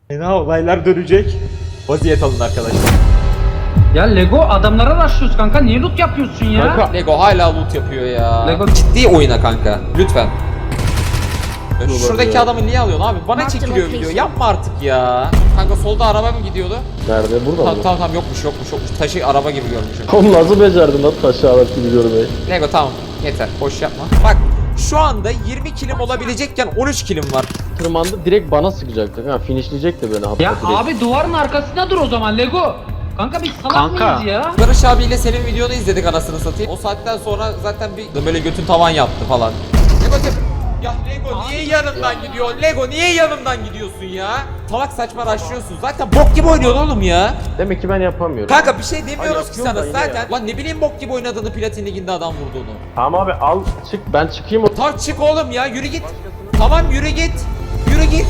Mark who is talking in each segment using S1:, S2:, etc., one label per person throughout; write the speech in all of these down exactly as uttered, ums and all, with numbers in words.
S1: Fena olaylar dönecek. Vaziyet alın arkadaşlar.
S2: Ya Lego adamlara başlıyoruz kanka, niye loot yapıyorsun ya?
S1: Kanka Lego hala loot yapıyor ya.
S2: Lego
S1: ciddi oyna kanka. Lütfen. Ya şuradaki adamı niye alıyorsun abi? Bana çekiliyor video. Yapma artık ya. Kanka solda araba mı gidiyordu?
S3: Nerede? Burada
S1: Tamam
S3: mı?
S1: tamam tamam yokmuş yokmuş yokmuş. Taşı araba gibi görmüşüm.
S3: Oğlum nasıl becerdin lan taşı alıp gidiyorum ben.
S1: Lego tamam yeter. Boş yapma. Bak şu anda yirmi kilim olabilecekken on üç kilim var.
S3: Tırmandı direkt bana sıkacaktı. Ha finishleyecekti beni hatta
S2: ya
S3: direkt.
S2: abi duvarın arkasında dur o zaman Lego. Kanka biz salak
S4: Kanka.
S2: mıyız ya?
S1: Barış abiyle senin videonu izledik anasını satayım. O saatten sonra zaten bir böyle götün tavan yaptı falan. Lego tep- Ya Lego niye yanımdan gidiyor? Lego niye yanımdan gidiyorsun ya? Salak saçma raşlıyorsun. Zaten bok gibi oynuyorsun oğlum ya.
S3: Demek ki ben yapamıyorum.
S1: Kanka bir şey demiyoruz
S3: Ay,
S1: ki
S3: yapıyorum
S1: sana
S3: da yine
S1: zaten.
S3: ya.
S1: Lan ne bileyim bok gibi oynadığını Platin Ligi'nde adam vurduğunu.
S3: Tamam abi al çık ben çıkayım o.
S1: Tak çık oğlum ya yürü git. Tamam yürü git. Yürü git.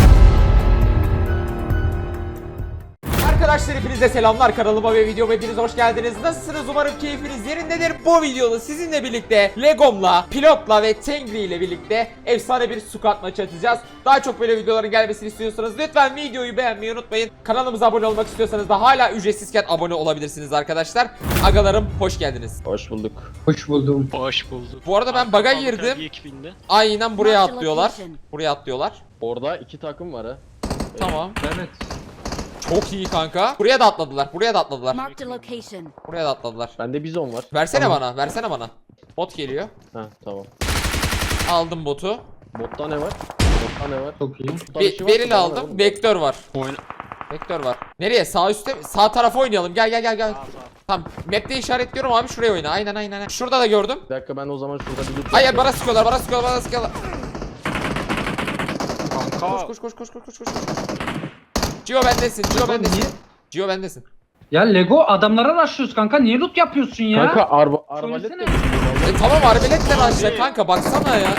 S1: Arkadaşlar hepinize selamlar, kanalıma ve videoma hepiniz hoş geldiniz. Nasılsınız? Umarım keyfiniz yerindedir. Bu videoda sizinle birlikte Legom'la, Pilot'la ve Tengri ile birlikte efsane bir squad maçı atacağız. Daha çok böyle videoların gelmesini istiyorsanız lütfen videoyu beğenmeyi unutmayın. Kanalımıza abone olmak istiyorsanız da hala ücretsizken abone olabilirsiniz arkadaşlar. Agalarım hoş geldiniz.
S3: Hoş bulduk.
S2: Hoş buldum.
S4: Hoş bulduk.
S1: Bu arada ben bug'a girdim. Aynen buraya atlıyorlar. Buraya atlıyorlar.
S3: Orada iki takım var ha.
S1: Tamam.
S2: Evet.
S1: Çok iyi kanka. Buraya da atladılar. Buraya da atladılar.
S5: Marked a location.
S1: Buraya da atladılar.
S3: Bende bizon var.
S1: Versene
S3: Tamam.
S1: bana. Versene bana. Bot geliyor.
S3: Ha tamam.
S1: Aldım botu.
S3: Botta ne var? Botta ne var?
S2: Çok iyi.
S3: Botta bir
S1: Be
S3: şey var mı?
S1: beril
S3: Bana
S1: aldım.
S3: ver.
S1: Vektör var.
S4: Oyna.
S1: Vektör var. Nereye? Sağ üstte mi? Sağ tarafa oynayalım. Gel gel gel gel. Tamam. Map'te işaretliyorum abi. Şuraya oyna. Aynen aynen. aynen. Şurada da gördüm.
S3: Bir dakika ben o zaman şurada bir loot
S1: Hayır
S3: yapıyorum.
S1: bana sıkıyorlar. Bana sıkıyorlar. Bana sıkıyorlar.
S4: Kanka.
S1: Koş koş koş koş koş koş. Cio bendesin. Cio bendesin. Cio bendesin.
S2: Ya Lego adamlara başlıyoruz kanka, niye loot yapıyorsun ya?
S3: Kanka arba arbalet de
S2: Söylesene.
S1: E tamam arbeletle başla kanka. Baksana ya.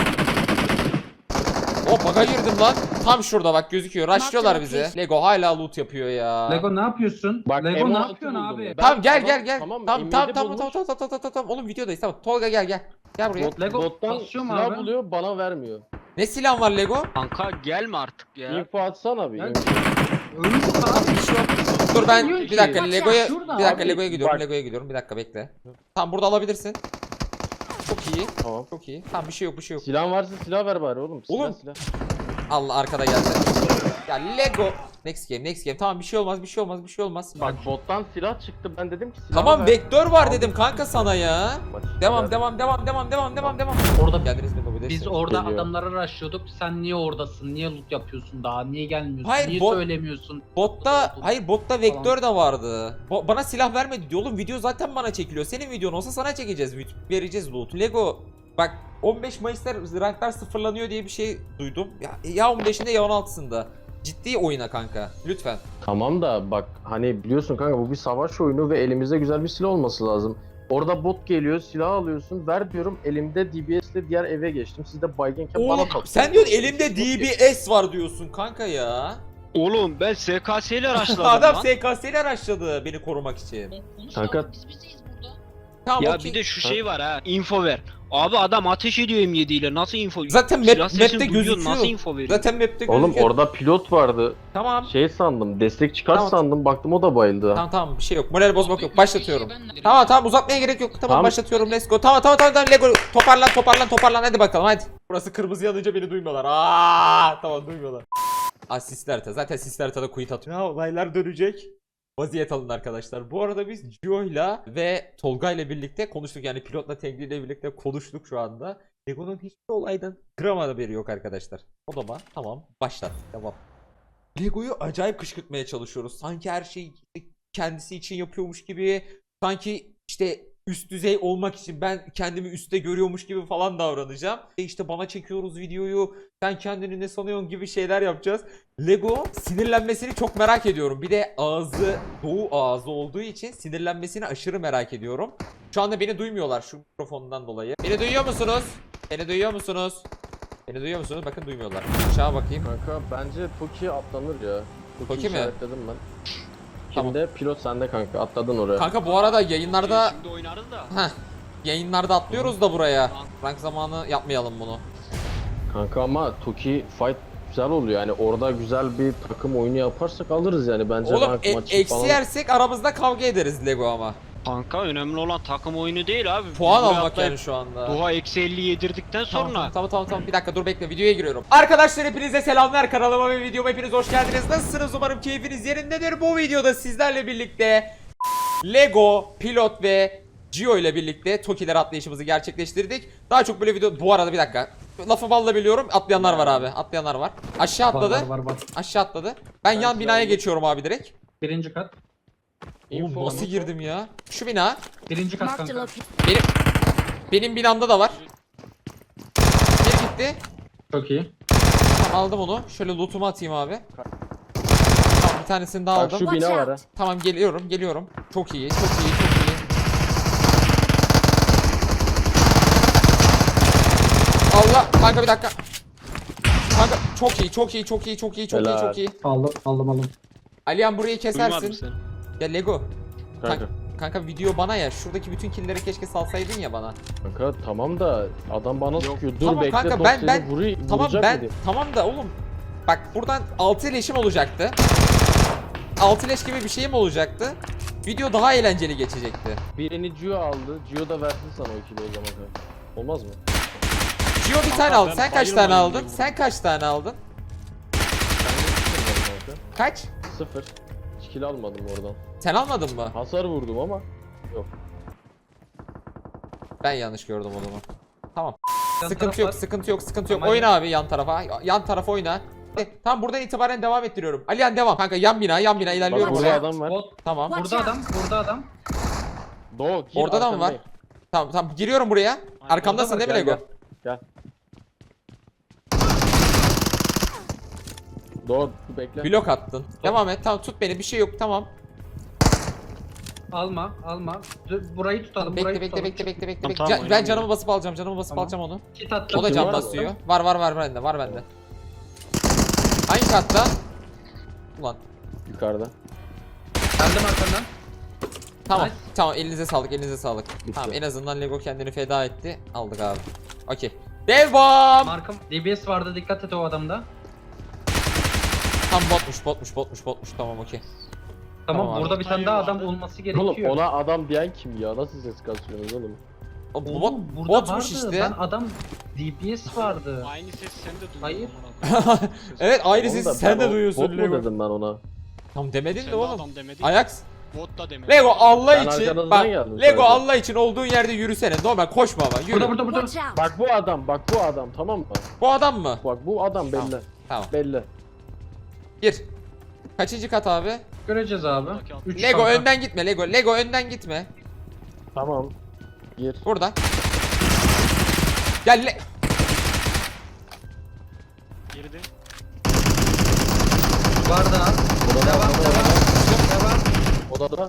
S1: O bug'a girdim lan. Tam şurada bak gözüküyor. Raşlıyorlar bizi. Lego hala loot yapıyor ya.
S2: Lego ne yapıyorsun?
S3: Bak,
S2: Lego
S3: M
S2: ne
S3: altı
S2: yapıyorsun
S3: buldum
S2: abi?
S3: ben.
S1: Tamam gel
S3: Tamam,
S1: gel gel.
S3: tamam,
S1: Tamam tamam
S3: M yedi
S1: tamam tamam
S3: bulmuş.
S1: tamam tamam tamam tamam tamam. Oğlum videodayız tamam. Tolga gel gel. Gel buraya.
S2: Lego
S3: Bottan
S2: basıyor mu
S3: silah
S2: abi?
S3: buluyor bana vermiyor.
S1: Ne silahın var Lego?
S4: Kanka gelme artık ya.
S3: Info atsana bir.
S2: Ya-
S3: info.
S2: Ölmüş abi.
S1: Bir şey yok. Dur ben
S2: Bilmiyorum
S1: bir
S2: ki.
S1: dakika
S2: Bak
S1: Lego'ya
S2: ya, şurada
S1: bir dakika
S3: abi,
S1: Lego'ya gidiyorum.
S3: bak.
S1: Lego'ya gidiyorum. Bir dakika bekle. Tamam burada alabilirsin. Çok iyi.
S3: Tamam.
S1: Çok iyi. Tamam bir şey yok bir şey yok.
S3: Silahın varsa silah ver bari oğlum. Silah,
S1: Oğlum.
S3: silah.
S1: Allah arkada geldi. Ya Lego. Next game next game. Tamam bir şey olmaz bir şey olmaz bir şey olmaz.
S3: Bak bottan silah çıktı ben dedim ki silah
S1: Tamam
S3: ver.
S1: vektör var
S3: Aldım.
S1: dedim kanka sana ya.
S3: Maç
S1: Devam
S3: ver.
S1: devam devam devam devam devam devam.
S2: Orada
S1: Geldiniz mi bu
S2: biz orada
S3: Geliyor.
S2: adamlara rushlıyorduk. Sen niye oradasın? Niye loot yapıyorsun daha? Niye gelmiyorsun?
S1: Hayır,
S2: niye
S1: bot-
S2: söylemiyorsun?
S1: Botta hayır botta vektör de vardı. Bo- bana silah vermedi diyor oğlum video zaten bana çekiliyor. Senin videon olsa sana çekeceğiz. Vereceğiz loot. Lego bak on beş Mayıs'ta ranklar sıfırlanıyor diye bir şey duydum. Ya, ya on beşinde ya on altısında. Ciddi oyuna kanka. Lütfen.
S3: Tamam da bak hani biliyorsun kanka bu bir savaş oyunu ve elimizde güzel bir silah olması lazım. Orada bot geliyor silah alıyorsun ver diyorum elimde D B S ile diğer eve geçtim. Siz de baygenken bana
S1: Oğlum
S3: takıyorsunuz.
S1: sen diyorsun elimde D B S var diyorsun kanka ya.
S4: Oğlum ben S K S ile araçladım
S1: Adam
S4: lan.
S1: S K S ile araçladı beni korumak için.
S3: Kanka
S1: Tamam
S4: Ya
S1: okey.
S4: bir de şu şey var ha. Info ver. Abi adam ateş ediyor M yedi ile. Nasıl info?
S1: Zaten map-
S4: Silah sesini
S1: map'te
S4: duyuyor,
S1: gözüküyor.
S4: Nasıl info veriyor?
S1: Zaten map'te gözüküyor.
S3: oğlum orada pilot vardı.
S1: Tamam.
S3: Şey sandım destek çıkar
S1: Tamam.
S3: sandım baktım o da bayıldı.
S1: Tamam tamam bir şey yok. Moral bozmak yok. Başlatıyorum. Tamam tamam uzatmaya gerek yok. Tamam,
S3: Tamam.
S1: başlatıyorum. Let's go. Tamam tamam tamam tamam Lego toparlan toparlan toparlan hadi bakalım hadi. Burası kırmızı yanınca beni duymuyorlar. Aa tamam duymuyorlar. Asist harita. Zaten asist haritada quit atıyor. Ya olaylar dönecek. Vaziyet alın arkadaşlar. Bu arada biz Gio'yla ve Tolga'yla birlikte konuştuk. Yani pilotla Tengri ile birlikte konuştuk şu anda. Lego'nun hiçbir olaydan gram haberi yok arkadaşlar. Odama tamam başlat. Tamam. Lego'yu acayip kışkırtmaya çalışıyoruz. Sanki her şey kendisi için yapıyormuş gibi. Sanki işte üst düzey olmak için ben kendimi üstte görüyormuş gibi falan davranacağım. E işte bana çekiyoruz videoyu. Sen kendini ne sanıyorsun gibi şeyler yapacağız. Lego sinirlenmesini çok merak ediyorum. Bir de ağzı doğu ağzı olduğu için sinirlenmesini aşırı merak ediyorum. Şu anda beni duymuyorlar şu mikrofondan dolayı. Beni duyuyor musunuz? Beni duyuyor musunuz? Beni duyuyor musunuz? Bakın duymuyorlar. Aşağı bakayım.
S3: Kanka bence Toki atlanır ya. Toki
S1: Toki mi?
S3: işaretledim ben.
S1: Tamam.
S3: Şimdi pilot sende kanka atladın oraya.
S1: Kanka bu arada yayınlarda
S4: Şimdi oynarız da.
S1: heh, yayınlarda atlıyoruz da buraya. Rank zamanı yapmayalım bunu.
S3: Kanka ama Toki fight güzel oluyor. Yani orada güzel bir takım oyunu yaparsak alırız yani bence.
S1: Oğlum
S3: rank
S1: e-
S3: maçı
S1: eksi
S3: falan.
S1: yersek aramızda kavga ederiz Lego ama.
S4: Kanka önemli olan takım oyunu değil abi.
S1: Puan
S4: Biz buraya
S1: almak
S4: atlayıp
S1: yani şu anda.
S4: Duha eksi elli yedirdikten
S1: Tamam,
S4: sonra.
S1: tamam tamam tamam bir dakika dur bekle videoya giriyorum. Arkadaşlar hepinize selamlar, kanalıma ve videoma hepiniz hoş geldiniz. Nasılsınız, umarım keyfiniz yerindedir. Bu videoda sizlerle birlikte Lego, Pilot ve Gio ile birlikte Toki'ler atlayışımızı gerçekleştirdik. Daha çok böyle video, bu arada bir dakika. Lafı balla biliyorum, atlayanlar var abi, atlayanlar var. Aşağı
S2: Var
S1: atladı,
S2: var var var.
S1: aşağı atladı. Ben yan binaya geçiyorum abi direkt.
S2: Birinci kat.
S1: Oğlum
S3: Info,
S1: nasıl
S3: info.
S1: girdim ya? Şu bina.
S2: Birinci kat
S5: Marked a
S2: kanka.
S5: location.
S1: Benim benim binamda da var. Bir gitti.
S2: Çok iyi.
S1: Tamam, aldım onu. Şöyle lootumu atayım abi. Tamam, bir tanesini daha
S3: Bak
S1: aldım.
S3: şu bina var ha.
S1: Tamam, geliyorum geliyorum. Çok iyi çok iyi çok iyi. Allah kanka, bir dakika. Kanka çok iyi çok iyi çok iyi çok iyi çok iyi
S3: Helal.
S1: çok iyi.
S2: Aldım aldım aldım.
S1: Alihan burayı
S4: Duymadım
S1: kesersin.
S4: seni.
S1: Ya Lego.
S3: Kanka.
S1: Kanka. Kanka video bana ya. Şuradaki bütün killleri keşke salsaydın ya bana.
S3: Kanka tamam da adam bana sıkıyor. Dur
S1: Tamam
S3: bekle
S1: kanka,
S3: top
S1: ben-
S3: seni
S1: ben-
S3: vuruy-
S1: Tamam
S3: vuracak
S1: ben
S3: dedi.
S1: tamam da oğlum. Bak buradan altı leşim olacaktı. altı leş gibi bir şeyim olacaktı. Video daha eğlenceli geçecekti.
S3: Birini Gio aldı. Gio da versin sana o ikili o zaman kanka. Olmaz mı?
S1: Gio bir
S4: Kanka,
S1: tane aldı.
S4: ben
S1: Sen kaç tane
S4: bayılmayayım
S1: aldın?
S4: diye
S1: Sen kaç tane aldın?
S3: Ben de sıfır var kanka.
S1: Kaç?
S3: Sıfır. Hiç kill almadım oradan.
S1: Sen almadın mı?
S3: Hasar vurdum ama.
S1: Ben yanlış gördüm o zaman. Tamam.
S2: Yan
S1: Sıkıntı
S2: taraf
S1: yok,
S2: var.
S1: sıkıntı yok, sıkıntı yok.
S2: Tamam,
S1: Oyna abi yan tarafa. Yan tarafa oyna. E, tamam, buradan itibaren devam ettiriyorum. Alihan devam. Kanka yan bina, yan bina
S3: Bak
S1: ilerliyorum
S3: burada
S1: oraya.
S3: adam var.
S2: Bot.
S1: Tamam.
S5: Watch
S2: Burada
S5: out.
S2: adam. Burada adam.
S3: Doğu gir
S1: Orada da mı var?
S3: arkandayım.
S1: Tamam tamam, giriyorum buraya. Arkamdasın değil mi
S3: Gel,
S1: Lego?
S3: gel. Gel. Doğu bekle.
S1: Blok attın. Devam et. Tamam, tut beni. Bir şey yok. Tamam.
S2: Alma alma. Dur, burayı tutalım.
S1: Bekle
S2: burayı
S1: bekle
S2: tutalım.
S1: bekle bekle bekle.
S4: Tamam,
S1: bekle.
S4: tamam,
S1: Can- ben
S4: oynamıyorum.
S1: canımı basıp alacağım. Canımı basıp
S2: Tamam.
S1: alacağım onu.
S2: Kit attım.
S1: O da
S3: Kim
S1: can
S3: var
S1: basıyor. Var var var bende. Var bende. Hangi katta? Ulan.
S3: Yukarıda.
S2: Geldim arkandan.
S1: Tamam.
S2: Nice.
S1: Tamam, elinize sağlık. Elinize sağlık.
S3: Bitti.
S1: Tamam, en azından Lego kendini feda etti. Aldık abi. Okey. Devam.
S2: Markım. D B S vardı, dikkat et o adamda.
S1: Tam botmuş, botmuş, botmuş, botmuş. Tamam, okey.
S2: Tamam,
S1: Tamam abi.
S2: burada bir tane daha adam
S4: Hayır,
S2: olması
S3: Oğlum
S2: gerekiyor.
S3: ona adam diyen kim ya? Nasıl ses kasıyorsunuz oğlum?
S1: O bu
S2: Oğlum,
S1: bot,
S2: burada
S1: botmuş
S2: vardı.
S1: işte.
S2: Ben adam D B S vardı.
S4: Aynı ses sen de duydun.
S2: Hayır.
S4: amına koyayım.
S1: Evet, ayrı
S3: Oğlum
S1: sesi
S3: da
S1: sen
S3: ben
S1: de
S3: o-
S1: duyuyorsun
S3: Bot mu
S1: Lego.
S3: dedim ben ona?
S1: Tam demedin
S4: Sen
S1: de
S4: de
S1: oğlum.
S4: adam demedin.
S1: Ajax.
S4: Bot da demedin.
S1: Lego Allah
S3: Ben
S1: için
S3: arkanızdan
S1: bak,
S3: geldim
S1: Lego
S3: sadece.
S1: Allah için olduğun yerde yürüsene. Normal koşma ama yürü.
S2: Burada burada burada.
S5: Watch out.
S3: Bak bu adam, bak bu adam tamam mı?
S1: Bu adam mı?
S3: Bak bu adam belli.
S1: Tamam. Tamam.
S3: Belli.
S1: Gir. Kaçıncı kat abi?
S2: Göreceğiz abi. Üç
S1: Lego
S2: kanka.
S1: önden gitme Lego. Lego önden gitme.
S3: Tamam. Gir.
S1: Burada. Gel le
S4: Girdi.
S2: Var daha.
S3: Odada,
S2: Devam
S3: odada,
S2: devam. Devam.
S3: odada.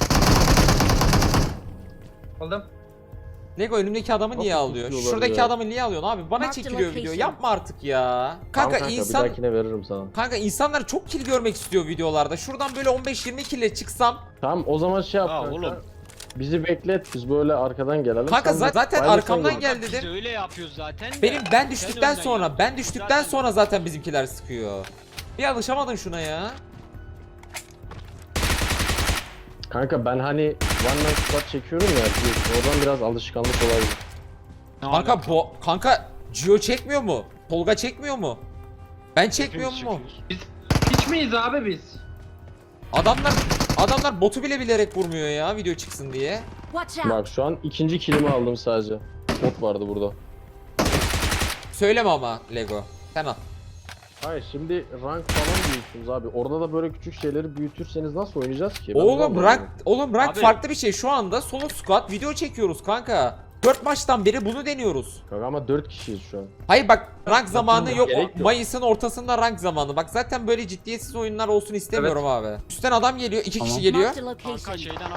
S2: Aldım.
S1: Lego önümdeki adamı niye
S3: Nasıl
S1: alıyor?
S3: tutuyorlar
S1: Şuradaki
S3: ya?
S1: adamı niye alıyorsun abi? Bana
S5: Mark the
S1: çekiliyor video.
S5: location.
S1: Yapma artık ya.
S3: Tamam
S1: Kanka,
S3: kanka
S1: insan
S3: bir dahakine veririm sana.
S1: Kanka insanlar çok kill görmek istiyor videolarda. Şuradan böyle on beş yirmi kille çıksam.
S3: Tamam o zaman şey yap
S4: Ha,
S3: kanka.
S4: oğlum.
S3: Bizi beklet biz böyle arkadan gelelim.
S1: Kanka
S3: Sen de
S1: zaten
S3: aynısını
S1: arkamdan
S3: gör.
S1: gel
S4: Biz
S1: dedim.
S4: öyle yapıyoruz zaten de.
S1: Benim ben
S4: Sen
S1: düştükten
S4: önden
S1: sonra
S4: yap.
S1: ben düştükten
S4: Zaten-
S1: sonra zaten bizimkiler sıkıyor. Bir alışamadın şuna ya.
S3: Kanka ben hani one man squad çekiyorum ya. bir- Oradan biraz alışkanlık olabilir.
S4: Ne
S1: Kanka
S4: alaka?
S1: bu kanka Gio çekmiyor mu? Tolga çekmiyor mu? Ben çekmiyor
S4: Hepimiz
S1: mu?
S4: çekiyoruz.
S2: Biz hiç miyiz abi biz?
S1: Adamlar adamlar botu bile bilerek vurmuyor ya video çıksın diye.
S5: Watch out.
S3: Bak şu an ikinci kilimi aldım sadece. Bot vardı burada.
S1: Söyleme ama Lego. Sen al.
S3: Hayır şimdi rank falan büyütüyoruz abi. Orada da böyle küçük şeyleri büyütürseniz nasıl oynayacağız ki? Ben bunu
S1: Oğlum
S3: anlamıyorum.
S1: rank oğlum rank
S4: Abi-
S1: farklı bir şey. Şu anda solo squad video çekiyoruz kanka. dört maçtan beri bunu deniyoruz.
S3: Kanka ama dört kişiyiz şu an.
S1: Hayır bak, rank zamanı yok.
S3: gerek yok.
S1: Mayıs'ın ortasında rank zamanı. Bak zaten böyle ciddiyetsiz oyunlar olsun istemiyorum abi. Üstten adam geliyor. iki kişi geliyor.
S5: Marked a
S4: Kanka
S5: location.
S4: şeyden adam.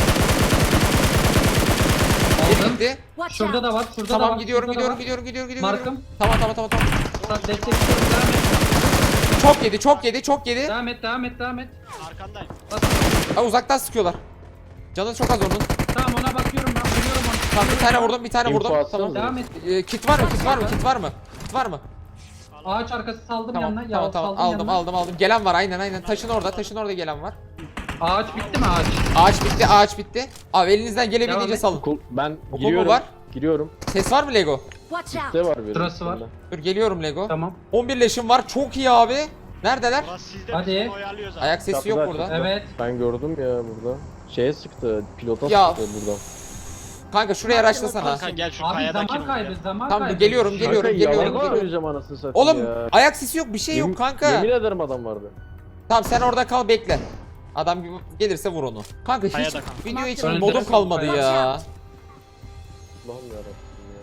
S1: Biri
S2: Aldım.
S1: gitti.
S5: Watch
S2: Şurada
S5: out.
S2: da var. Şurada da
S1: Tamam,
S2: var.
S1: gidiyorum
S2: şurada da
S1: gidiyorum
S2: var.
S1: gidiyorum gidiyorum gidiyorum.
S2: Markım.
S1: Tamam tamam tamam tamam.
S2: Bak, destekliyorum. Devam et.
S1: Çok yedi çok yedi çok yedi.
S2: Devam et. Devam et. Devam et.
S4: Arkandayım.
S2: Bas.
S1: Ha, uzaktan sıkıyorlar. Canı çok az onun.
S2: Tamam, ona bakıyorum ben. Vuruyorum onu.
S1: Tamam, bir tane vurdum bir tane
S3: İnfo
S1: vurdum.
S3: atsana
S1: Tamam.
S3: bize.
S2: Devam et.
S1: Ee, kit var mı kit var mı kit var mı? Kit var mı?
S2: Ağaç arkası saldım
S1: Tamam
S2: yanına.
S1: tamam
S2: Ya,
S1: tamam
S2: saldım
S1: aldım
S2: yanına.
S1: aldım aldım. Gelen var aynen aynen. Taşın orada taşın orada gelen var.
S2: Ağaç bitti mi ağaç?
S1: Ağaç bitti ağaç bitti. Abi elinizden
S2: Devam
S1: gelebildiğince
S2: et.
S1: salın.
S3: Okul, ben
S1: mu
S3: giriyorum.
S1: var?
S3: Giriyorum.
S1: Ses var mı Lego?
S5: Watch out!
S3: Ne var benim?
S2: Sırası var.
S3: üstümde?
S1: Dur geliyorum Lego.
S2: Tamam.
S1: on bir leşim var çok iyi abi. Neredeler?
S6: Burası sizde
S2: Hadi.
S6: biz onu oyalıyoruz abi.
S1: Ayak sesi yok
S3: Kapıda,
S1: burada.
S3: kapıda.
S2: Evet.
S3: Ben gördüm ya burada. Şeye sıktı. Pilota
S1: Ya.
S3: sıktı burada.
S1: Kanka şuraya araçlasana.
S6: Kanka gel şu
S2: Abi
S6: kayadakini
S2: zaman kaybı
S6: vur.
S2: zaman
S1: Tamam,
S2: kaybı.
S1: geliyorum, geliyorum,
S3: Kanka,
S1: geliyorum,
S3: yalan
S1: geliyorum.
S3: söyleyeceğim anasını satayım
S1: Oğlum
S3: ya.
S1: ayak sesi yok bir şey yok
S3: Yemin-
S1: kanka.
S3: Yemin ederim adam vardı.
S1: Tamam sen orada kal bekle. Adam gibi gelirse vur onu. Kanka hiç
S6: Kayada kanka.
S1: video için
S2: Öldürürüm.
S1: modum kalmadı
S2: Watch
S1: ya.
S3: Allah'ım yarabbim ya.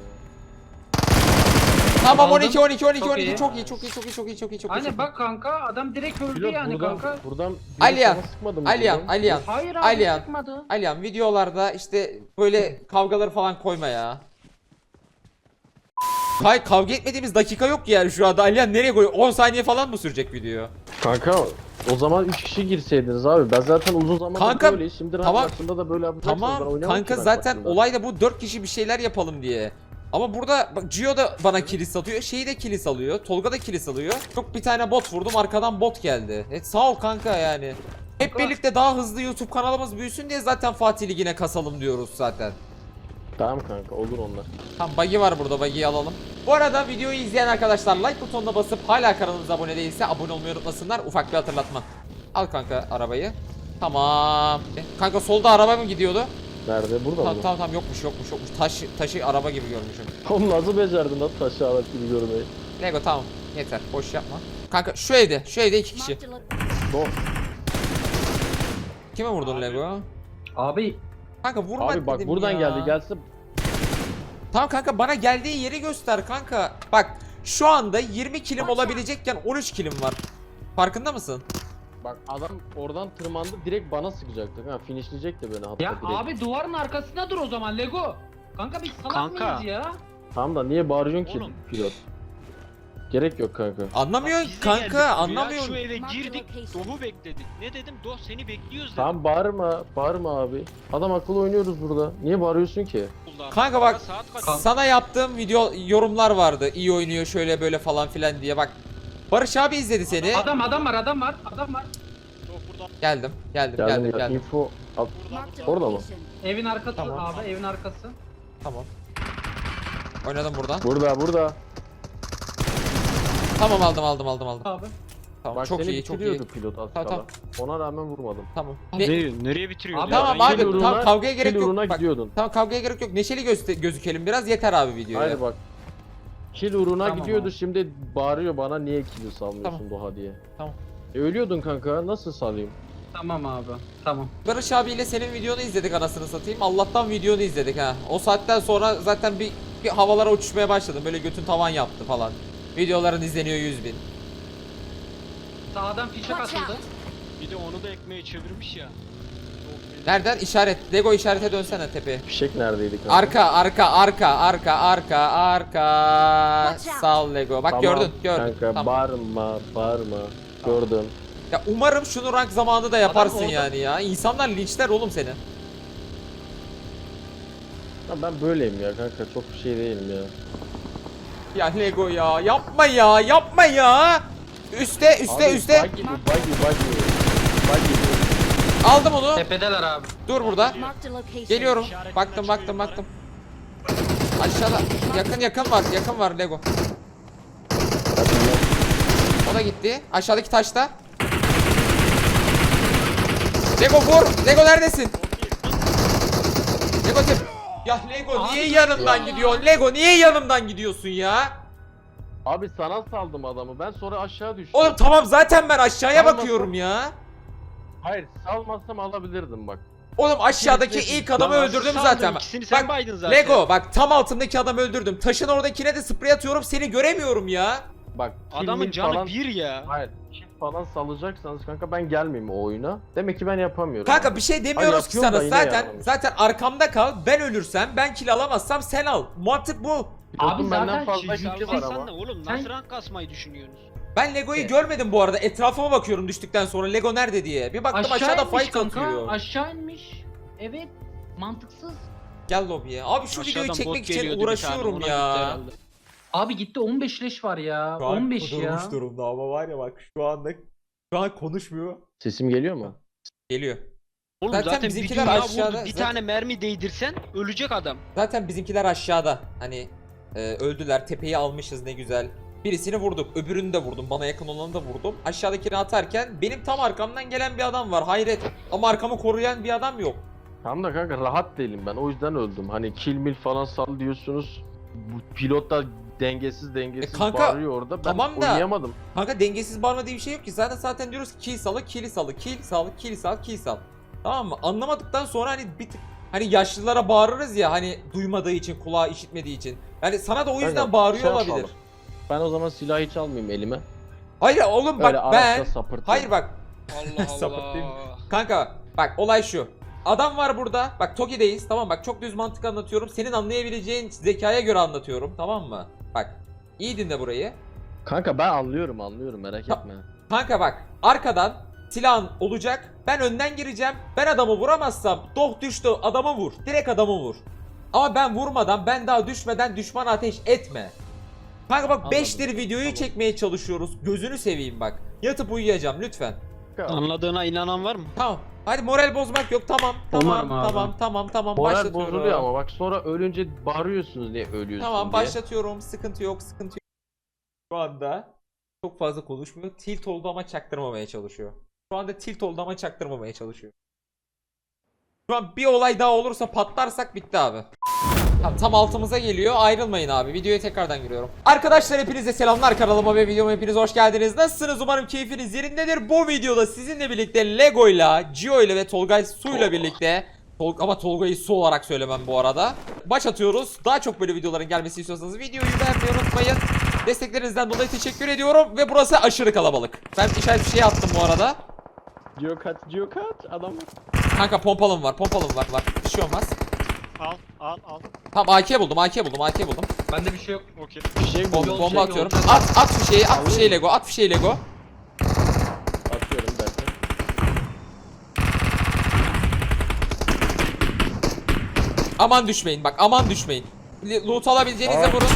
S1: Tamam
S2: Aldım.
S1: on iki on iki on iki
S2: Çok
S1: on iki
S2: iyi.
S1: çok iyi çok iyi çok iyi çok iyi çok iyi çok iyi.
S2: Aynen bak kanka adam direkt öldü
S3: Pilot
S2: yani
S3: buradan,
S2: kanka.
S3: buradan biri
S1: Aliyan,
S3: sana sıkmadı mı
S1: Aliyan,
S3: buradan?
S1: Aliyan.
S2: Hayır abi
S1: Aliyan.
S2: çıkmadı.
S1: Aliyan videolarda işte böyle kavgaları falan koyma ya. Kay kavga etmediğimiz dakika yok ki yani şu anda. Aliyan nereye koyuyor? on saniye falan mı sürecek video?
S3: Kanka o zaman üç kişi girseydiniz abi. Ben zaten uzun zamandır
S1: Kanka,
S3: böyle. Şimdi
S1: tamam.
S3: tamam. Rahatlaşımda da böyle yapacaksınız. Ben
S1: Tamam
S3: oynamam
S1: kanka
S3: ki ben
S1: zaten
S3: baktığımda.
S1: olay da bu dört kişi bir şeyler yapalım diye. Ama burada bak Gio da bana kilis atıyor. Şeyi de kilis alıyor. Tolga da kilis alıyor. Çok bir tane bot vurdum arkadan bot geldi. Evet sağ ol kanka yani. Hep
S2: Kanka.
S1: birlikte daha hızlı YouTube kanalımız büyüsün diye zaten Fatih Ligi'ne kasalım diyoruz zaten.
S3: Tamam kanka olur onlar.
S1: Tamam buggy var burada, buggy'yi alalım. Bu arada videoyu izleyen arkadaşlar like butonuna basıp hala kanalımıza abone değilse abone olmayı unutmasınlar. Ufak bir hatırlatma. Al kanka arabayı. Tamam. E, Kanka solda araba mı gidiyordu?
S3: Nerede? Burada
S1: Tamam
S3: mı?
S1: tamam tamam yokmuş yokmuş yokmuş. Taş, taşı araba gibi görmüşüm.
S3: Oğlum nasıl becerdin lan taşı alet gibi görmeyi?
S1: Lego tamam yeter boş yapma. Kanka şu evde şu evde iki kişi.
S5: Marked a lo-
S3: No.
S1: Kime vurdun Lego?
S2: Abi
S1: Kanka vurma
S3: Abi bak
S1: dedim
S3: buradan
S1: ya.
S3: geldi gelse
S1: Tamam kanka bana geldiği yeri göster kanka. Bak şu anda yirmi kilim olabilecekken on üç kilim var. Farkında mısın?
S3: bak adam oradan tırmandı direkt bana sıkacaktı. Ha finishleyecekti beni hatta
S2: ya
S3: direkt.
S2: abi duvarın arkasında dur o zaman Lego. Kanka biz salak
S4: Kanka.
S2: mıyız ya?
S3: Tamam da niye bağırıyorsun ki
S4: Oğlum.
S3: pilot? Gerek yok kanka.
S1: Anlamıyorsun
S4: Biz de geldik
S1: kanka
S4: buraya,
S1: anlamıyorsun.
S4: Şu eve
S5: Mark the
S4: girdik,
S5: location.
S4: Doğu bekledik. Ne dedim? Doğu seni bekliyoruz dedim.
S3: Tamam bağırma, bağırma abi. Adam akıllı oynuyoruz burada. Niye bağırıyorsun ki?
S1: Kanka bak,
S4: Saat kaç?
S2: Kanka.
S1: Sana yaptığım video yorumlar vardı. İyi oynuyor şöyle böyle falan filan diye bak. Barış abi izledi seni.
S2: Adam adam var adam var adam var.
S6: Yok burada.
S1: Geldim geldim
S3: Geldim
S1: geldim
S3: ya,
S1: geldim.
S3: info at.
S5: Marked a
S3: Orada mı?
S5: location.
S2: Evin arkası
S1: Tamam.
S2: abi evin arkası.
S1: Tamam. Oynadım buradan.
S3: Burada, burada.
S1: Tamam aldım aldım aldım aldım.
S2: Abi.
S1: Tamam
S3: Bak
S1: çok
S3: seni
S1: iyi çok iyi.
S3: bitiriyordu pilot az
S1: Tamam,
S3: kala. Ona rağmen vurmadım.
S1: Tamam.
S2: Abi,
S1: Ne-
S4: Nereye, nereye bitiriyor?
S2: Abi,
S4: ya?
S1: Tamam
S4: Ben
S1: abi,
S3: Kill
S4: yemiyorum.
S1: tamam,
S3: uğruna-
S1: kavgaya gerek
S3: kill
S1: yok.
S3: uğruna
S1: Bak,
S3: gidiyordun.
S1: Tamam kavgaya gerek yok. Neşeli göster gözükelim biraz yeter abi videoya.
S3: Hayır bak. Kill uğruna
S2: Tamam
S3: gidiyordu
S2: abi.
S3: şimdi bağırıyor bana niye kill'i salmıyorsun
S1: Tamam.
S3: Doğa diye.
S1: Tamam.
S3: E, ölüyordun kanka nasıl salayım?
S2: Tamam abi tamam.
S1: Barış abiyle senin videonu izledik anasını satayım. Allah'tan videonu izledik ha. O saatten sonra zaten bir, bir havalara uçuşmaya başladım. Böyle götün tavan yaptı falan. Videoların izleniyor yüz bin.
S2: Sağdan fişek
S5: Watch
S2: atıldı.
S5: out.
S4: Bir de onu da ekmeğe çevirmiş ya.
S1: Nereden? İşaret. Lego işarete dönsene tepeye.
S3: Fişek neredeydi kanka?
S1: Arka, arka, arka, arka, arka, arka.
S5: Watch out.
S1: Sağ ol Lego. Bak
S3: Tamam,
S1: gördün, gördün.
S3: Kanka
S1: Tamam.
S3: bağırma, bağırma. Gördüm.
S1: Ya umarım şunu rank zamanında yaparsın
S2: orada-
S1: yani ya. İnsanlar linçler oğlum seni.
S3: Ya ben böyleyim ya kanka çok bir şey değilim ya.
S1: Ya Lego ya, yapma ya, yapma ya. Üste, üste,
S3: Abi,
S1: üste.
S3: Buggy, bu, buggy, buggy. Buggy. bu.
S1: Aldım onu.
S2: Tepedeler abi.
S1: Dur burada.
S5: Marked a location.
S1: Geliyorum.
S6: İşaretimden
S1: Baktım,
S6: çıkıyor
S1: baktım,
S6: yukarı.
S1: baktım. Aşağıda. Yakın yakın var, yakın var Lego.
S3: Hadi ya.
S1: O da gitti. Aşağıdaki taşta. Lego vur. Lego neredesin? Lego tep. Ya Lego niye yanımdan gidiyorsun? Lego niye yanımdan gidiyorsun ya?
S3: Abi sana saldım adamı ben sonra aşağı düştüm.
S1: Oğlum tamam zaten ben aşağıya
S3: Salmasın.
S1: bakıyorum ya.
S3: Hayır salmazsam alabilirdim bak.
S1: Oğlum aşağıdaki
S3: Kesin-
S1: ilk adamı
S4: Lan
S1: öldürdüm
S4: saldın,
S1: zaten.
S4: ikisini sen
S1: Bak
S4: baydın zaten.
S1: Lego bak tam altındaki adamı öldürdüm. Taşın oradakine de sprey atıyorum seni göremiyorum ya.
S3: Bak
S4: Adamın
S3: kill
S4: canı
S3: falan,
S4: bir ya.
S3: Hayır kill falan salacaksanız kanka ben gelmeyeyim o oyuna. Demek ki ben yapamıyorum.
S1: Kanka bir şey demiyoruz
S3: Ay,
S1: ki
S3: yapıyorum
S1: sana.
S3: da yine
S1: Zaten
S3: yaramıyor.
S1: zaten arkamda kal. Ben ölürsem, ben kill alamazsam sen al. Mantık bu.
S3: Pilotun
S2: Abi
S3: benden
S2: zaten
S3: fazla
S2: kill
S3: killi var
S4: Sen
S3: ama.
S4: ne oğlum?
S2: Sen-
S4: Nasıl rank kasmayı düşünüyorsunuz?
S1: Ben Lego'yu
S2: Evet.
S1: görmedim bu arada. Etrafıma bakıyorum düştükten sonra. Lego nerede diye. Bir baktım aşağıda
S2: inmiş
S1: fight
S2: kanka,
S1: atıyor.
S2: Aşağı inmiş. Evet. Mantıksız.
S1: Gel lobiye. Abi şu videoyu
S4: Aşağıdan
S1: çekmek
S4: bot
S1: için
S4: geliyordu bir tane,
S1: uğraşıyorum
S4: ona
S1: ya.
S4: gitti herhalde.
S2: Abi gitti on beş leş var ya.
S1: Şu an
S2: on beş ya.
S1: kudurmuş durumda ama var ya bak şu anda şu an konuşmuyor.
S3: Sesim geliyor mu?
S1: Geliyor.
S4: Oğlum
S1: Zaten
S4: zaten,
S1: bizimkiler
S4: bir dünya
S1: aşağıda,
S4: vurdu. Bir
S1: zaten-
S4: tane mermi değdirsen ölecek adam.
S1: Zaten bizimkiler aşağıda. Hani e, öldüler. Tepeyi almışız ne güzel. Birisini vurduk. Öbürünü de vurdum. Bana yakın olanı da vurdum. Aşağıdakini atarken benim tam arkamdan gelen bir adam var. Hayret. Ama arkamı koruyan bir adam yok.
S3: Tamam da kanka rahat değilim ben. O yüzden öldüm. Hani kill mill falan sal diyorsunuz. Bu pilot da dengesiz dengesiz
S1: E kanka,
S3: bağırıyor orada. Ben
S1: tamam da-
S3: oynayamadım.
S1: Kanka dengesiz bağırma diye bir şey yok ki. Zaten zaten diyoruz ki kill salı, kill salı, kill salı, kill sal, kill sal. Tamam mı? Anlamadıktan sonra hani bir tık hani yaşlılara bağırırız ya hani duymadığı için, kulağı işitmediği için. Yani sana da o yüzden
S3: Kanka,
S1: bağırıyor
S3: şey
S1: olabilir.
S3: yapalım. Ben o zaman silahı hiç almayayım elime.
S1: Hayır oğlum bak
S3: Öyle
S1: ben
S3: araçla sapırtayım.
S1: hayır bak
S4: Allah
S1: Sapıtayım.
S4: Allah.
S1: kanka bak olay şu. Adam var burada. Bak Toki'deyiz. Tamam bak çok düz mantık anlatıyorum. Senin anlayabileceğin zekaya göre anlatıyorum. Tamam mı? Bak iyi dinle burayı.
S3: Kanka ben anlıyorum anlıyorum merak
S1: Ta-
S3: etme.
S1: Kanka bak arkadan silahın olacak. Ben önden gireceğim. Ben adamı vuramazsam doh düştü adamı vur. Direkt adamı vur. Ama ben vurmadan ben daha düşmeden düşman ateş etme. Kanka bak
S3: Anladım.
S1: beştir videoyu
S3: Tamam.
S1: çekmeye çalışıyoruz. Gözünü seveyim bak. Yatıp uyuyacağım lütfen.
S3: Kanka,
S4: Anladığına inanan var mı?
S1: Tamam. Hadi moral bozmak yok. Tamam. Tamam.
S2: Umarım abi.
S1: Tamam. Tamam. Tamam.
S3: moral
S1: Başlatıyorum.
S3: bozuluyor ama bak sonra ölünce bağırıyorsunuz niye ölüyorsun
S1: Tamam
S3: diye.
S1: başlatıyorum. Sıkıntı yok. Sıkıntı yok. Şu anda çok fazla konuşmuyor. Tilt oldu ama çaktırmamaya çalışıyor. Şu anda tilt oldu ama çaktırmamaya çalışıyor. Şu an bir olay daha olursa patlarsak bitti abi. Tamam, tam altımıza geliyor. Ayrılmayın abi. Videoya tekrardan giriyorum. Arkadaşlar hepinize selamlar. Kanalıma ve videoma hepiniz hoş geldiniz. Nasılsınız? Umarım keyfiniz yerindedir. Bu videoda sizinle birlikte Lego'yla, Gio'yla ve Tolgay Su'yla birlikte Tol ama Tolga'yı Su olarak söylemem bu arada. Maç atıyoruz. Daha çok böyle videoların gelmesini istiyorsanız videoyu beğenmeyi unutmayın. Desteklerinizden dolayı teşekkür ediyorum. Ve burası aşırı kalabalık. Ben işaret bir şey attım bu arada.
S3: Gio kaç Gio kaç adam var.
S1: Kanka pompalım var. Pompalım var. var. Bir şey olmaz.
S5: Al al al.
S1: Tamam A K buldum. A K buldum. A K buldum.
S2: Bende bir şey yok.
S5: Okey.
S3: Bir şey
S1: Bom
S3: buldum.
S1: bomba
S2: şey
S1: atıyorum.
S2: olacak.
S1: At at fişeği. At fişeği Lego. At fişeği Lego.
S3: Atıyorum bir dakika.
S1: Aman düşmeyin. Bak aman düşmeyin. L- Loot alabileceğinizde
S3: Aa.
S1: vurun.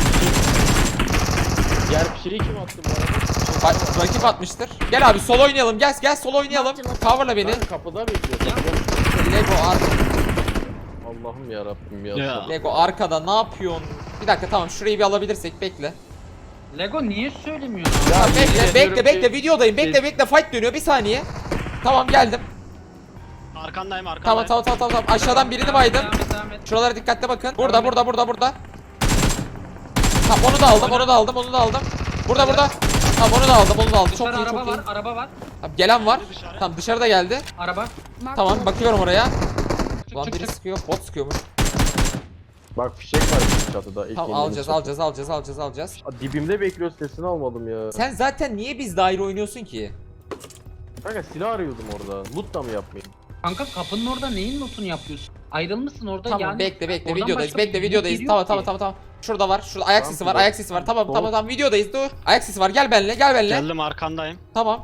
S3: Diğer bir şeyi kim attı bu arada?
S1: Bak rakip atmıştır. Gel abi sol oynayalım. Gel gel sol oynayalım. Coverla beni.
S3: Ben kapıda bekliyorum.
S1: Lego ar
S3: Allah'ım yarabbim ya.
S4: Ya.
S1: Lego arkada ne yapıyorsun? Bir dakika tamam şurayı bir alabilirsek bekle.
S2: Lego niye söylemiyorsun?
S3: Ya,
S1: Tamam,
S3: yemin
S1: bekle
S3: ediyorum
S1: bekle bekle
S3: ki-
S1: videodayım. Bekle bekle fight dönüyor bir saniye. Tamam geldim.
S5: Arkandayım arkandayım.
S1: Tamam tamam tamam tamam. Aşağıdan birini baydım.
S2: Devam et, devam et.
S1: Şuralara dikkatle bakın. Burada burada burada burada. Tamam onu da aldım onu da aldım onu da aldım. Burada burada. Tamam onu da aldım onu da aldım. Çok
S2: Dışarı
S1: iyi
S2: araba
S1: çok iyi.
S2: var, araba var.
S1: Tamam, gelen var.
S5: Dışarı.
S1: Tamam dışarıda geldi.
S2: Araba.
S1: Tamam bakıyorum oraya.
S2: Çık
S1: Ulan
S2: çık
S1: biri
S2: çık.
S1: sıkıyor. Bot sıkıyormuş.
S3: Bak fişek var çatıda. ilk
S1: Tamam
S3: indiğimiz
S1: alacağız
S3: çatı.
S1: alacağız alacağız alacağız alacağız.
S3: Aa, dibimde bekliyor sesini almadım ya.
S1: Sen zaten niye biz daire oynuyorsun ki?
S3: Kanka silah arıyordum orada. Loot da mı yapmayayım?
S2: Kanka kapının orada neyin notunu yapıyorsun? Ayrılmışsın orada
S1: Tamam
S2: yani.
S1: bekle bekle
S2: oradan
S1: videodayız.
S2: başka
S1: Bekle
S2: bir
S1: videodayız.
S2: yok
S1: Tamam
S2: ki.
S1: tamam tamam tamam. Şurada var. Şurada ayak
S3: Tamam,
S1: sesi var.
S3: dur.
S1: Ayak sesi var. Tamam
S3: Dur.
S1: tamam tamam videodayız. Dur. Ayak sesi var. Gel benimle. Gel benimle.
S5: Geldim arkandayım.
S1: Tamam.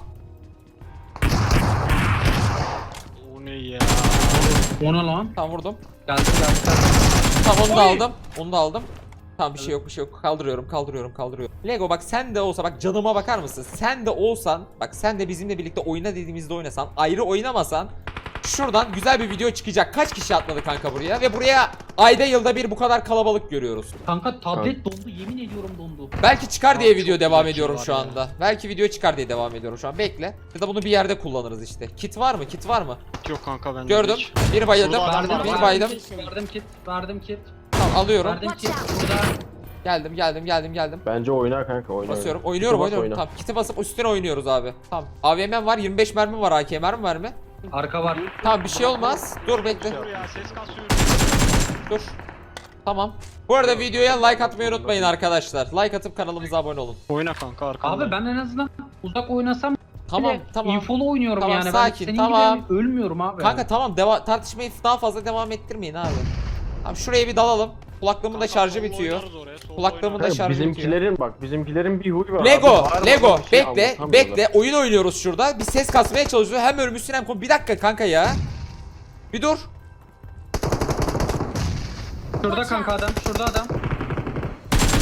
S5: O ne ya?
S2: O ne lan?
S1: Tamam vurdum.
S2: Geldim geldim geldim.
S1: Tamam onu da aldım. Onu da aldım. Tamam bir şey yok bir şey yok. Kaldırıyorum kaldırıyorum kaldırıyorum. Lego bak sen de olsa bak canıma bakar mısın? Sen de olsan bak sen de bizimle birlikte oyna dediğimizde oynasan ayrı oynamasan şuradan güzel bir video çıkacak. Kaç kişi atladı kanka buraya ve buraya ayda yılda bir bu kadar kalabalık görüyoruz.
S2: Kanka tablet dondu, yemin ediyorum dondu.
S1: Belki çıkar diye
S4: Abi
S1: video
S4: çok
S1: devam
S4: güzel
S1: ediyorum
S4: şey
S1: şu
S4: var
S1: anda.
S4: ya.
S1: Belki video çıkar diye devam ediyorum şu an. Bekle. Ya da bunu bir yerde kullanırız işte. Kit var mı? Kit var mı?
S5: Yok kanka ben
S1: Gördüm. Bir bayıldım.
S5: Şurada adam
S2: Verdim,
S5: var,
S1: Bir
S5: var.
S1: baydım.
S2: Verdim kit, verdim kit.
S1: Tamam alıyorum.
S2: Verdim kit. Burada.
S1: Geldim geldim geldim geldim.
S3: Bence oyna kanka oyna.
S1: Basıyorum.
S3: oyna.
S1: Oynuyorum
S3: Bas,
S1: oynuyorum.
S3: oyna.
S1: Tamam kiti basıp üstüne oynuyoruz abi. Tamam. A V M'm var. yirmi beş mermi var. A K mermi var mı?
S2: Arka var.
S1: Tamam bir şey olmaz. Dur bekle.
S5: Dur ya ses kasıyor.
S1: Dur. Tamam. Bu arada videoya like atmayı unutmayın arkadaşlar. Like atıp kanalımıza abone olun.
S5: Oyna kanka arkandayım.
S2: Abi ben en azından uzak oynasam
S1: Tamam
S2: bile
S1: tamam.
S2: infolu oynuyorum
S1: Tamam,
S2: yani.
S1: sakin,
S2: ben senin
S1: tamam.
S2: gibi yani ölmüyorum abi.
S1: Kanka tamam deva tartışmayı daha fazla devam ettirmeyin abi. Tamam şuraya bir dalalım. Kulaklığımın da
S5: Kanka,
S1: şarjı
S5: solda
S1: bitiyor.
S5: oynarız oraya, solda
S1: Kulaklığımın da
S5: oynarız.
S3: Kanka,
S1: şarjı bitiyor.
S3: bizimkilerin bak bizimkilerin bir huyu var.
S1: Lego,
S3: Abi, bağırmadan
S1: Lego,
S3: bir şey
S1: bekle,
S3: anlatamıyorlar.
S1: bekle. Oyun oynuyoruz şurada. Bir ses kasmaya çalışıyor. Hem ölmüşsün hem konu. Bir dakika kanka ya. Bir dur.
S2: Şurada kanka adam, şurada adam.
S1: Onu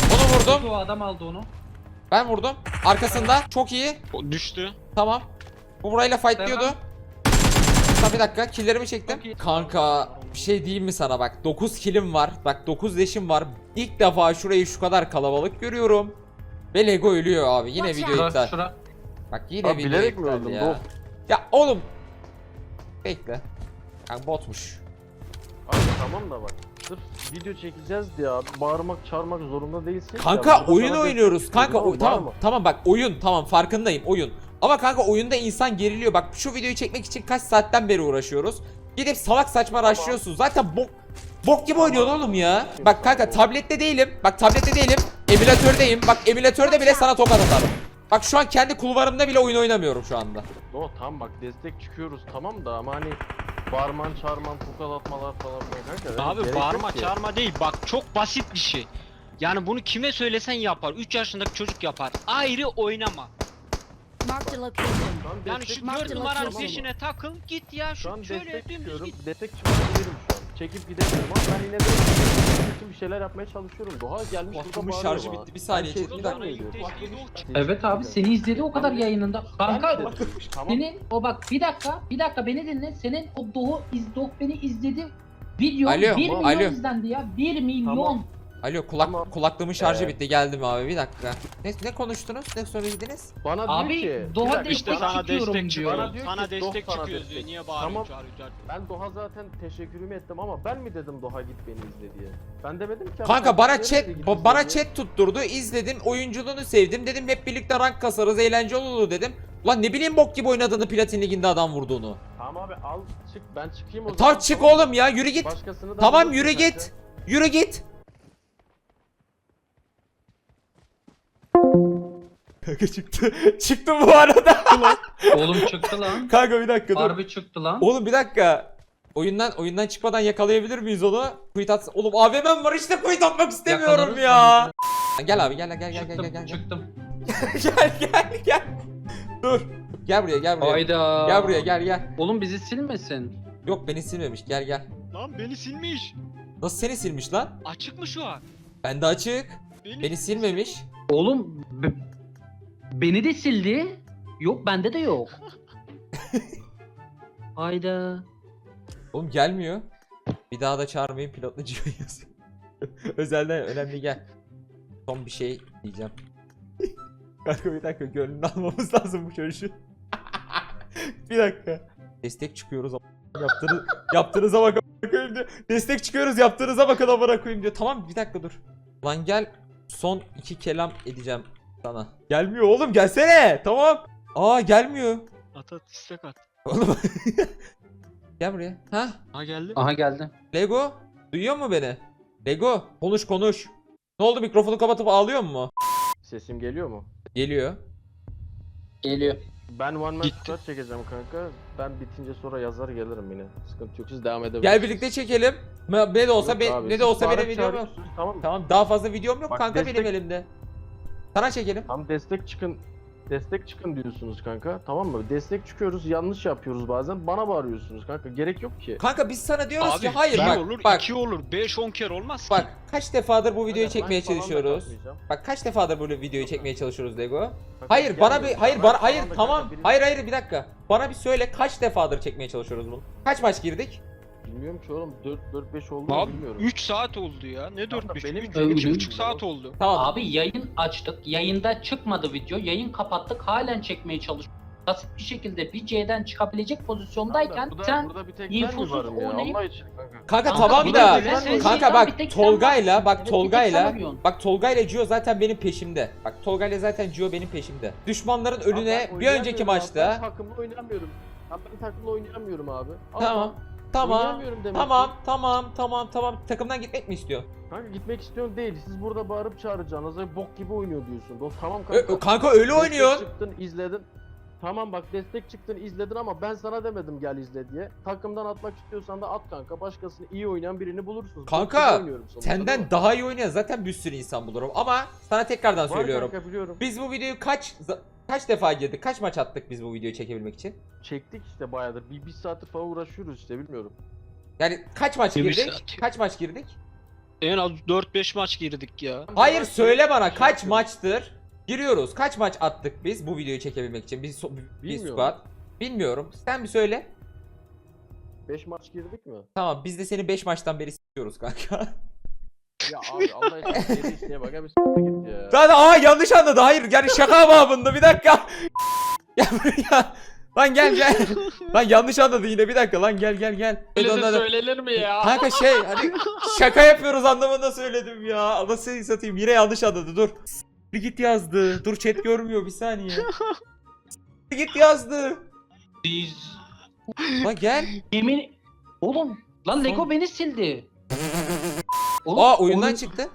S1: vurdum.
S2: O adam aldı onu.
S1: Ben vurdum. Arkasında. Çok iyi.
S5: O düştü.
S1: Tamam. Bu burayla fightlıyordu.
S2: Devam.
S1: Tamam bir dakika. Killlerimi çektim.
S2: Çok iyi.
S1: Kanka bir şey diyeyim mi sana bak. dokuz killim var. Bak dokuz leşim var. İlk defa şurayı şu kadar kalabalık görüyorum. Ve Lego ölüyor abi. Yine
S6: Watch
S1: video
S6: out.
S1: iptal.
S2: Şura, şura.
S1: Bak yine
S3: Abi
S1: video
S3: bilerek mi
S1: iptal
S3: öldüm?
S1: ya.
S3: Doğ-
S1: Ya oğlum. Bekle. Kanka botmuş.
S3: Abi tamam da bak. Sırf video çekeceğiz diye abi. Bağırmak çağırmak zorunda değilsin.
S1: Kanka
S3: Ya, burada
S1: oyun
S3: sana
S1: oynuyoruz.
S3: destek
S1: Kanka
S3: çıkıyorum,
S1: o, tamam
S3: bağırma.
S1: tamam bak oyun tamam farkındayım oyun. Ama kanka oyunda insan geriliyor. Bak şu videoyu çekmek için kaç saatten beri uğraşıyoruz. Gidip salak saçma rushlıyorsun. Zaten bok bok gibi oynuyorsun oğlum ya. Bak kanka tablette değilim. Bak tablette değilim. Emülatördeyim. Bak emülatörde bile sana tokat atarım. Bak şu an kendi kulvarımda bile oyun oynamıyorum şu anda.
S3: No tamam bak destek çıkıyoruz tamam da ama hani bağırman çağırman tokat atmalar falan filan kanka.
S4: Abi
S3: gerek yok
S4: bağırma
S3: ki.
S4: çağırma değil bak çok basit bir şey. Yani bunu kime söylesen yapar. üç yaşındaki çocuk yapar. Ayrı oynama.
S6: Marked a location.
S3: Şu an
S4: Yani
S3: destek
S4: şu
S6: Marked
S4: dört
S6: location.
S4: numaranın
S3: Tamam mı?
S4: peşine takıl git ya
S3: Şu an
S4: şu şöyle
S3: destek
S4: dümdüz
S3: çıkıyorum.
S4: git.
S3: Destek çıkabilirim şu an. Çekip gidemiyorum ama ben yine de bütün bir şeyler yapmaya çalışıyorum. Doğa gelmiş burada
S1: Kulaklığımın
S3: bağırıyor
S1: şarjı
S3: bana.
S1: bitti. Bir saniye
S3: Ben
S1: chat,
S3: şey
S1: bir dakika.
S3: diyemiyorum.
S2: Evet abi seni izledi o kadar yayınında. Kanka
S3: Tamam.
S2: senin o bak bir dakika bir dakika beni dinle. Senin o Doğu iz Doğu beni izledi. Video
S1: Alo,
S2: bir milyon
S1: alo.
S2: izlendi ya. bir milyon.
S3: Tamam.
S1: Alo kulak
S3: Tamam.
S1: kulaklığımın şarjı
S3: Ee,
S1: bitti. Geldim abi bir dakika. Ne ne konuştunuz? Ne söylediniz?
S3: Bana
S2: Abi,
S3: diyor ki
S2: Doğa
S3: bir dakika,
S4: İşte
S2: destek
S4: sana
S2: çıkıyorum
S4: destek
S2: diyor.
S4: çıkıyor.
S3: Bana diyor
S4: Sana
S3: ki,
S4: destek
S3: "Doh sana
S4: çıkıyoruz diyor.
S3: destek."
S4: Niye
S3: Tamam.
S4: bağırıyorsun çağırıyorsun?
S3: ben Doğa zaten teşekkürümü ettim ama ben mi dedim Doğa git beni izle diye. Ben demedim ki.
S1: Kanka
S3: abi,
S1: bana
S3: nereye
S1: chat
S3: git
S1: ba-
S3: izle
S1: bana
S3: diye.
S1: chat tutturdu. İzledim. Oyunculuğunu sevdim. Dedim hep birlikte rank kasarız. Eğlenceli olur dedim. Ulan ne bileyim bok gibi oynadığını Platin Ligi'nde adam vurduğunu.
S3: Tamam abi al çık ben çıkayım o zaman.
S1: Tamam çık
S3: tamam mı?
S1: oğlum ya yürü git.
S3: Başkasını da
S1: Tamam
S3: bulursun
S1: yürü
S3: kanka.
S1: git. Yürü git. Kanka çıktı. Çıktı bu arada.
S2: Oğlum çıktı lan.
S1: Kanka bir dakika dur.
S2: Harbi çıktı lan.
S1: Oğlum bir dakika. Oyundan oyundan çıkmadan yakalayabilir miyiz onu? Quit at. Oğlum A V M'm var işte quit atmak istemiyorum
S2: Yakalarız
S1: ya. Gel abi gel gel gel gel gel
S2: Çıktım,
S1: gel.
S2: çıktım.
S1: Gel gel gel. Dur. Gel buraya gel buraya.
S2: Hayda.
S1: Gel buraya gel gel.
S2: Oğlum bizi silmesin.
S1: Yok beni silmemiş. Gel gel.
S4: Lan beni silmiş.
S1: Nasıl seni silmiş lan?
S4: Açık mı şu an?
S1: Bende açık. Beni silmemiş.
S2: Oğlum be- beni de sildi. Yok bende de yok. Hayda.
S1: Oğlum gelmiyor. Bir daha da çağırmayın pilotlu Gio yazıyor. Özelden önemli gel. Son bir şey diyeceğim. Kanka bir dakika gönlünü almamız lazım bu çocuğu. Bir dakika. Destek çıkıyoruz ama yaptığınız yaptığınıza bak amına koyayım diyor. Destek çıkıyoruz yaptığınıza bakın amına koyayım diyor. Tamam bir dakika dur. Lan gel son iki kelam edeceğim sana. Gelmiyor oğlum gelsene. Tamam. Aa gelmiyor.
S5: At at istek at.
S1: Oğlum. Gel buraya. Ha?
S5: Ha geldi.
S2: Aha geldi.
S1: Lego duyuyor mu beni? Lego konuş konuş. Ne oldu mikrofonu kapatıp ağlıyor mu?
S3: Sesim geliyor mu?
S1: Geliyor.
S2: Geliyor.
S3: Ben one man
S5: Gitti.
S3: squad çekeceğim kanka. Ben bitince sonra yazar gelirim yine. Sıkıntı yok siz devam edebilirsiniz.
S1: Gel birlikte çekelim. Ne ne de olsa
S3: Yok
S1: be-
S3: abi,
S1: ne de
S3: siz
S1: olsa benim
S3: bağırıp
S1: videom yok.
S3: çağırıyorsunuz, Tamam mı?
S1: Tamam daha fazla videom yok
S3: Bak,
S1: kanka
S3: destek-
S1: benim elimde. Sana çekelim.
S3: Tam destek çıkın. Destek çıkın diyorsunuz kanka. Tamam mı? Destek çıkıyoruz. Yanlış yapıyoruz bazen. Bana bağırıyorsunuz kanka. Gerek yok ki.
S1: Kanka biz sana diyoruz
S4: Abi
S1: ki hayır
S4: bir
S1: bak
S4: olur,
S1: bak
S4: iki olur, beş on kere olmaz ki.
S1: bak kaç defadır bu videoyu
S3: Kanka,
S1: çekmeye
S3: like falan da
S1: çalışıyoruz.
S3: katmayacağım.
S1: Bak kaç defadır bu videoyu çekmeye çalışıyoruz Lego.
S3: Kanka,
S1: Hayır bana bir
S3: gelmiyor.
S1: hayır
S3: Like
S1: bana
S3: falan
S1: hayır
S3: da
S1: tamam.
S3: kanka, biri-
S1: Hayır hayır bir dakika. Bana bir söyle kaç defadır çekmeye çalışıyoruz bunu? Kaç maç girdik?
S3: Bilmiyorum ki oğlum. dört beş oldu mu
S4: Abi
S3: bilmiyorum.
S4: üç saat oldu ya. Ne
S3: Tamam da
S4: dört beş?
S3: benim-
S4: üç
S2: benim-
S4: buçuk saat oldu.
S1: Tamam.
S2: Abi yayın açtık. Yayında çıkmadı video. Yayın kapattık. Halen çekmeye çalışıyoruz. Basit bir şekilde bir C'den çıkabilecek pozisyondayken
S3: burada,
S2: sen
S3: burada bir tek ben mi
S2: infosuz
S3: varım ya?
S2: oynayıp-
S3: Allah için kanka.
S1: Kanka
S2: Kanka,
S1: tamam
S2: bir
S1: da
S2: de böyle sen
S1: kanka
S2: şeyden
S1: bak
S2: bir tek sen
S1: Tolga'yla
S2: varsın.
S1: bak
S2: Evet, bir tek sen
S1: Tolga'yla
S2: arıyorsun.
S1: bak Tolga'yla Gio zaten benim peşimde. Bak Tolga'yla zaten Gio benim peşimde. Düşmanların
S3: Abi
S1: önüne
S3: ben
S1: bir önceki
S3: oynayamıyorum abi,
S1: maçta
S3: Ben takımla oynayamıyorum. Abi ben takımla oynayamıyorum abi. Al
S1: tamam
S3: bak,
S1: tamam
S3: oynayamıyorum demek
S1: tamam
S3: ki.
S1: tamam tamam tamam takımdan gitmek mi istiyor?
S3: Kanka gitmek istiyorsun değil. Siz burada bağırıp çağıracağınız ve bok gibi oynuyor diyorsun. O tamam
S1: Ö-
S3: kanka.
S1: ö- kanka öyle
S3: Destek
S1: oynuyor.
S3: çıktın izledin. Tamam bak destek çıktın izledin ama ben sana demedim gel izle diye. Takımdan atmak istiyorsan da at kanka. Başkasını iyi oynayan birini bulursun. Bok
S1: Kanka,
S3: gibi oynuyorum sonuçta, değil
S1: Senden
S3: mi?
S1: daha iyi oynayan zaten bir sürü insan bulurum ama sana tekrardan
S3: Var
S1: söylüyorum.
S3: kanka biliyorum.
S1: Biz bu videoyu kaç kaç defa girdik? Kaç maç attık biz bu videoyu çekebilmek için?
S3: Çektik işte bayağıdır. Bir, bir saattir falan uğraşıyoruz işte bilmiyorum.
S1: Yani kaç maç
S4: Bir
S1: girdik?
S4: saat.
S1: Kaç maç girdik?
S4: En az dört beş maç girdik ya.
S1: Hayır söyle bana kaç maçtır giriyoruz? Kaç maç attık biz bu videoyu çekebilmek için? Biz so- bir
S3: Bilmiyorum.
S1: squad. Bilmiyorum. Sen bir söyle.
S3: beş maç girdik mi?
S1: Tamam biz de seni beş maçtan beri istiyoruz kanka.
S3: Ya abi Allah için geri isteye bak abi s**t git ya.
S1: Zaten aa yanlış anladı. Hayır yani şaka babında bir dakika. Ya buraya. Lan gel gel. Lan yanlış anladı yine bir dakika lan gel gel gel.
S5: Öyle de söylenir mi ya?
S1: Kanka şey hani şaka yapıyoruz anlamında söyledim ya. Allah seni satayım yine yanlış anladı dur. Bir git yazdı. Dur chat görmüyor bir saniye. Bir git yazdı.
S2: Biz
S1: Lan gel.
S2: yemin oğlum lan Lego
S1: Son-
S2: beni sildi. Oğlum,
S1: Aa oyundan
S2: oyun-
S1: çıktı.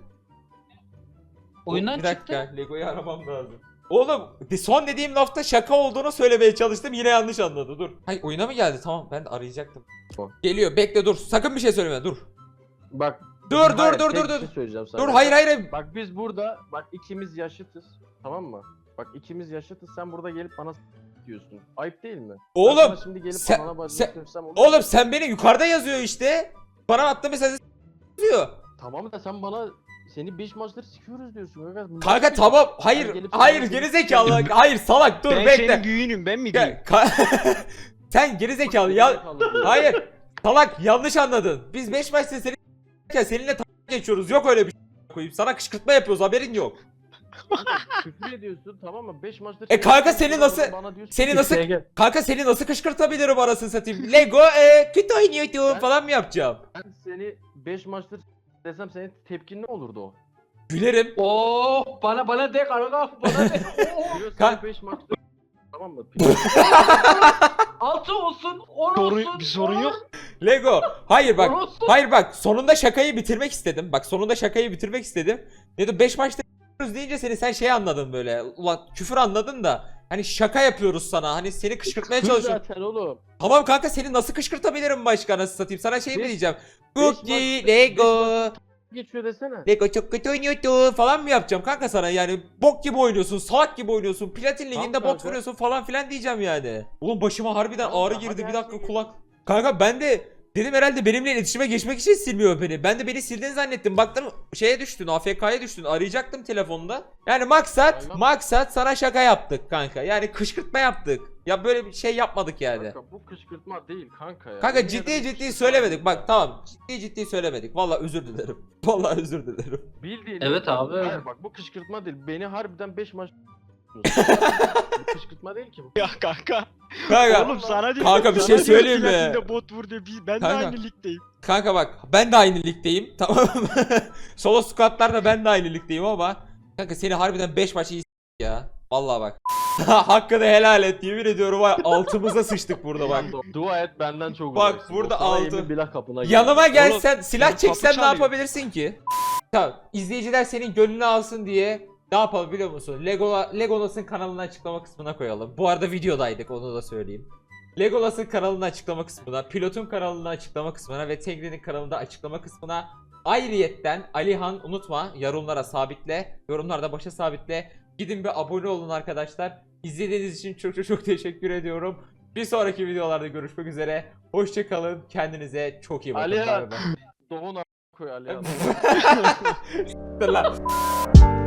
S2: Oyundan
S1: bir dakika
S2: çıktı.
S1: Lego'yu aramam lazım. Oğlum son dediğim lafta şaka olduğunu söylemeye çalıştım yine yanlış anladı dur. Hayır oyuna mı geldi tamam ben de arayacaktım.
S3: Tamam.
S1: Geliyor bekle dur sakın bir şey söyleme dur.
S3: Bak.
S1: Dur, dur,
S3: hayır,
S1: dur,
S3: tek
S1: dur,
S3: bir
S1: dur.
S3: şey söyleyeceğim sana.
S1: Dur hayır hayır.
S3: Bak biz burada bak ikimiz yaşıtız. Tamam mı? Bak ikimiz yaşıtız sen burada gelip bana s- diyorsun. Ayıp değil mi? Ben
S1: Oğlum
S3: sana şimdi gelip
S1: sen-
S3: anana bacını
S1: sen-
S3: sövsem olur mu?
S1: oğlum sen beni yukarıda yazıyor işte. Bana attığın mesajı yazıyor.
S3: Tamam da sen bana seni beş maçları sikiyoruz diyorsun. Kanka, Bu
S1: Kanka
S3: nasıl bir-
S1: tamam
S3: Ben
S1: hayır
S3: gelip
S1: hayır
S3: sana-
S1: geri zekalı hayır salak dur
S4: ben
S1: bekle.
S4: senin büyüğünüm ben mi diyeyim?
S1: Gel, ka- sen geri zekalı ya
S3: Gerizekalı diyor.
S1: hayır salak yanlış anladın. Biz beş maçta seni seninle t- geçiyoruz yok öyle bir şey koyayım. Sana kışkırtma yapıyoruz haberin yok.
S3: Küfür ediyorsun tamam mı? beş maçları
S1: E kanka seni nasıl-
S3: bana diyorsun
S1: seni
S3: ki,
S1: nasıl-
S3: "Şuraya gel."
S1: Kanka seni nasıl kışkırtabilirim arasını satayım. Lego e, kötü oynuyordum
S3: Ben-
S1: falan mı yapacağım?
S3: Ben seni beş maçtır desem senin tepkin ne olurdu o?
S1: Gülerim.
S2: Oh bana bana de kanka bana de. Oh,
S3: Diyor
S1: Kan-
S3: seni beş maçtır tamam mı?
S2: altı olsun on
S4: Sorun-
S2: olsun.
S4: bir sorun
S2: on-
S4: yok.
S1: Lego. Hayır
S2: on
S1: bak.
S2: olsun.
S1: Hayır bak sonunda şakayı bitirmek istedim. Bak sonunda şakayı bitirmek istedim. Dedim beş maçta yapıyoruz deyince seni sen şey anladın böyle. Ulan küfür anladın da. Hani şaka yapıyoruz sana. Hani seni kışkırtmaya
S3: Küfür
S1: çalışıyorum.
S3: zaten oğlum.
S1: Tamam kanka seni nasıl kışkırtabilirim başka nasıl satayım? Sana şey mi
S3: Beş-
S1: diyeceğim?
S3: beş
S1: Cookie,
S3: maç-
S1: Lego.
S3: Geçiyor desene.
S1: Lego çok kötü oynuyordu falan mı yapacağım kanka sana yani bok gibi oynuyorsun salak gibi oynuyorsun platin liginde
S3: Tamam
S1: bot
S3: kanka.
S1: vuruyorsun falan filan diyeceğim yani. Oğlum başıma harbiden
S3: Tamam
S1: ağrı
S3: da
S1: girdi
S3: hadi
S1: bir
S3: her
S1: dakika
S3: şeyi
S1: kulak. Kanka ben de dedim herhalde benimle iletişime geçmek için silmiyor beni. Ben de beni sildiğini zannettim. Baktım şeye düştün A F K'ya düştün arayacaktım telefonda. Yani maksat
S3: Aynen.
S1: maksat sana şaka yaptık kanka yani kışkırtma yaptık. Ya böyle bir şey yapmadık yani.
S3: Kanka bu kışkırtma değil kanka ya.
S1: Kanka
S3: Yemin
S1: ciddi
S3: ederim
S1: ciddi
S3: kışkırtma
S1: söylemedik
S3: değil
S1: bak
S3: ya.
S1: tamam ciddi ciddi söylemedik. Vallahi özür dilerim. Vallahi özür dilerim.
S3: Bildiğin
S2: Evet
S3: bak,
S2: abi.
S3: Hayır bak bu kışkırtma değil. Beni harbiden beş maç bu kışkırtma değil ki bu.
S4: Ya kanka.
S1: Kanka
S4: Oğlum sana diyor.
S1: Kanka bir
S4: sana
S1: şey
S4: diyor
S1: söyleyeyim
S4: ki
S1: mi?
S4: Latin'de bot vur diyor. biz- Ben
S1: Kanka.
S4: de aynı ligdeyim.
S1: Kanka bak ben de aynı ligdeyim tamam mı? Solo squatlarda ben de aynı ligdeyim ama kanka seni harbiden beş maç iyi s- ya. Vallahi bak. Hakkını helal et yemin ediyorum var altımıza sıçtık burada bak.
S3: Ulan Dua et benden çok
S1: Bak,
S3: uzaksın.
S1: burada
S3: O sana
S1: altı.
S3: yemin billah kapına geldi.
S1: Yanıma gelsen silah
S4: kapı
S1: çeksen ne
S4: çalıyor.
S1: yapabilirsin ki? Tamam izleyiciler senin gönlünü alsın diye ne yapalım biliyor musun? Lego Legolas'ın kanalını açıklama kısmına koyalım. Bu arada videodaydık onu da söyleyeyim. Legolas'ın kanalını açıklama kısmına, Pilot'un kanalını açıklama kısmına ve Tegri'nin kanalında açıklama kısmına ayrıyetten Alihan unutma yorumlara sabitle, yorumlarda başa sabitle. Gidin bir abone olun arkadaşlar. İzlediğiniz için çok çok çok teşekkür ediyorum. Bir sonraki videolarda görüşmek üzere. Hoşça kalın. Kendinize çok iyi bakın.
S3: Alihan.
S1: Bay bay.
S3: Doğun a- koy Ali.
S1: Lan.